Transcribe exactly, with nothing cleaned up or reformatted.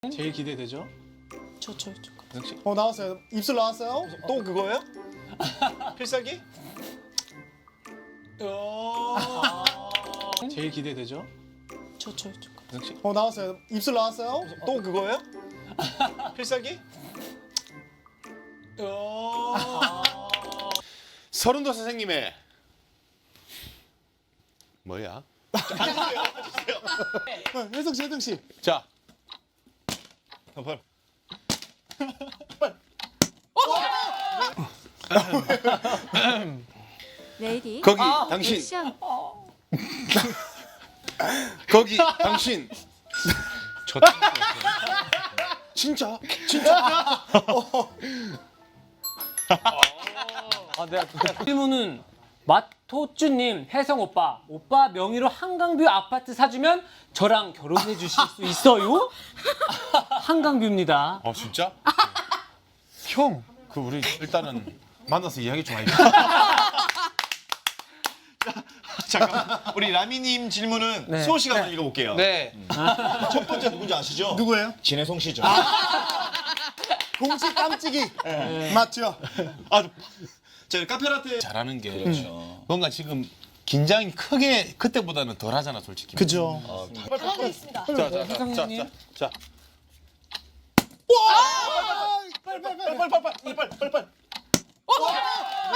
제일 기대되죠? 저, 저, 저. 역시 어 나왔어요. 입술 나왔어요? 또 그거예요? 필살기? 제일 기대되죠? 저, 저, 저. 역시 어 나왔어요. 입술 나왔어요? 또 그거예요? 필살기? 서른도 선생님의 뭐야? 네, 혜성 씨, 혜성 씨. 자, 빨리. 레이디 거기 당신, 액션. 거기 당신. 저 진짜, 진짜. 아, 내가 질문은 마토쭈님, 혜성 오빠, 오빠 명의로 한강뷰 아파트 사주면 저랑 결혼해 주실 수 있어요? 한강뷰입니다. 어 진짜? 형, 그 우리 일단은 만나서 이야기 좀 하자. 잠깐만. 우리 라미님 질문은 네. 수호 씨가 한번 읽어볼게요. 네. 첫 번째 누군지 아시죠? 누구예요? 진혜성 씨죠. 공치 깜찍이. 맞죠? 아, 제가 카페라테 잘하는 게 그렇죠. 뭔가 지금 긴장이 크게 그때보다는 덜하잖아, 솔직히. 그죠. 하고 있습니다. 자, 자, 자, 자, 혜성님. 자, 자. 빨리 빨리 빨리. 빨리 빨리 빨리 빨리 빨리 빨리.